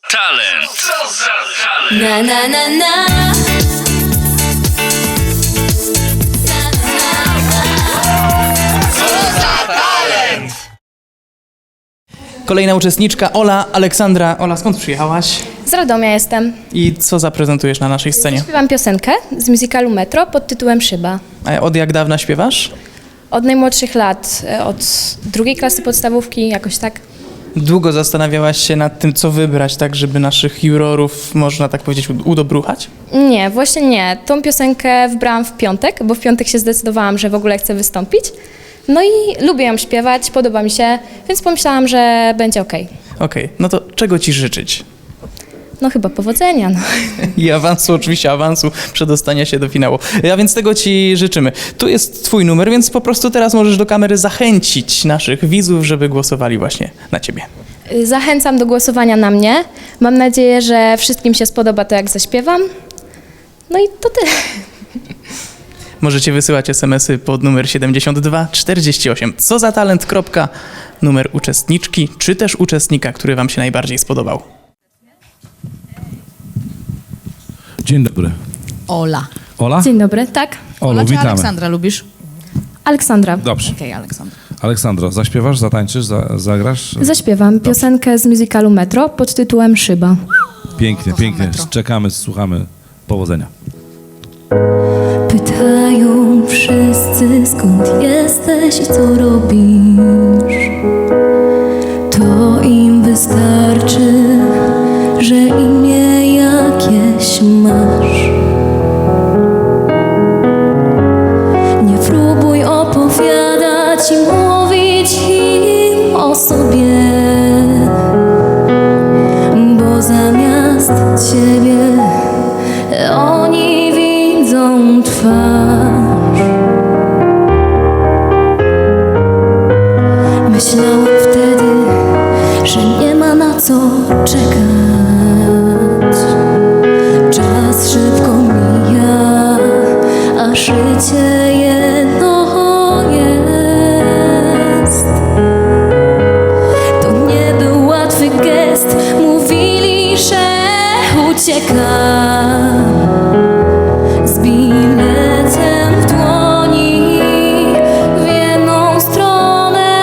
talent? Co za talent? Na na na na. Kolejna uczestniczka, Ola, Aleksandra. Ola, skąd przyjechałaś? Z Radomia jestem. I co zaprezentujesz na naszej scenie? Śpiewam piosenkę z musicalu Metro pod tytułem Szyba. A od jak dawna śpiewasz? Od najmłodszych lat, od 2. klasy podstawówki, jakoś tak. Długo zastanawiałaś się nad tym, co wybrać, tak żeby naszych jurorów, można tak powiedzieć, udobruchać? Nie, właśnie nie. Tą piosenkę wybrałam w piątek, bo w piątek się zdecydowałam, że w ogóle chcę wystąpić. No i lubię ją śpiewać, podoba mi się, więc pomyślałam, że będzie okej. Okej, no to czego ci życzyć? No chyba powodzenia, no. I awansu, oczywiście awansu, przedostania się do finału. A więc tego ci życzymy. Tu jest twój numer, więc po prostu teraz możesz do kamery zachęcić naszych widzów, żeby głosowali właśnie na ciebie. Zachęcam do głosowania na mnie. Mam nadzieję, że wszystkim się spodoba to, jak zaśpiewam. No i to tyle. Możecie wysyłać SMS-y pod numer 7248. Co za talent. Numer uczestniczki, czy też uczestnika, który wam się najbardziej spodobał. Dzień dobry. Ola. Ola? Dzień dobry, tak? Olu, Ola czy witamy. Aleksandra lubisz? Aleksandra. Dobrze. Okej, Aleksandra. Aleksandro, zaśpiewasz, zatańczysz, zagrasz? Zaśpiewam piosenkę z musicalu Metro pod tytułem Szyba. Pięknie, Kocham pięknie. Metro. Czekamy, słuchamy. Powodzenia. Pytają wszyscy, skąd jesteś i co robisz. To im wystarczy, że imię jakieś masz. Nie próbuj opowiadać i mówić im o sobie, bo zamiast ciebie oni widzą twarz. Myślałam wtedy, że nie ma na co czekać. Czas szybko mija, a życie jedno jest. To nie był łatwy gest, mówili, że uciekam z biletem w dłoni w jedną stronę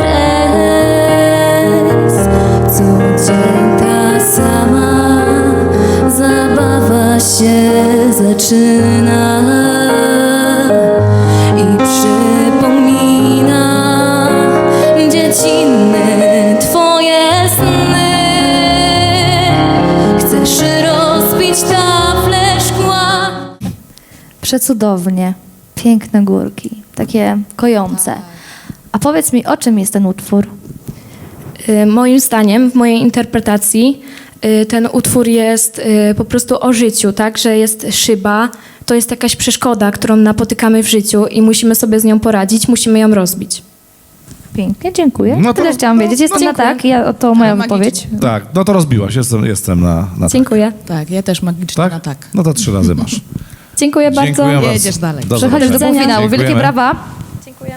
rejs. Co dzień ta sama zabawa się zaczyna i przypomina dziecinne twoje sny. Chcesz rozbić taflę szkła. Przecudownie, piękne górki, takie kojące. A powiedz mi, o czym jest ten utwór? Moim zdaniem, w mojej interpretacji, ten utwór jest po prostu o życiu, tak? Że jest szyba, to jest jakaś przeszkoda, którą napotykamy w życiu i musimy sobie z nią poradzić, musimy ją rozbić. Pięknie, dziękuję. No to- Tyle chciałam wiedzieć. Jestem na dziękuję. tak, to moja Magicznie. wypowiedź. Tak, no to rozbiłaś. Jestem na tak. Dziękuję. Tak, ja też magicznie Tak? na tak. No to 3 razy masz. Dziękuję bardzo. Dziękuję bardzo. Jedziesz dalej. Do Przechodzisz do zobaczenia. półfinału. Wielkie Dziękujemy. brawa. Dziękuję.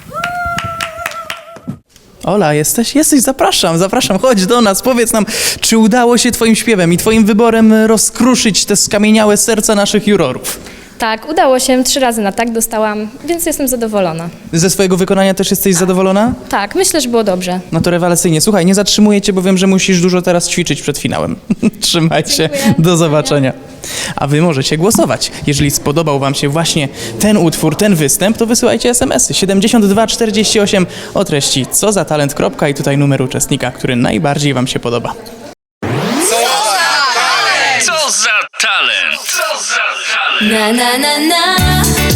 Ola, jesteś? Zapraszam, chodź do nas, powiedz nam, czy udało się twoim śpiewem i twoim wyborem rozkruszyć te skamieniałe serca naszych jurorów? Tak, udało się, 3 razy na tak dostałam, więc jestem zadowolona. Ze swojego wykonania też jesteś zadowolona? Tak, myślę, że było dobrze. No to rewelacyjnie. Słuchaj, nie zatrzymuję cię, bo wiem, że musisz dużo teraz ćwiczyć przed finałem. Trzymaj się, do zobaczenia. A wy możecie głosować. Jeżeli spodobał wam się właśnie ten utwór, ten występ, to wysyłajcie SMS-y 7248 o treści co za talent. I tutaj numer uczestnika, który najbardziej wam się podoba. Co za talent? Co za talent? Na na na na.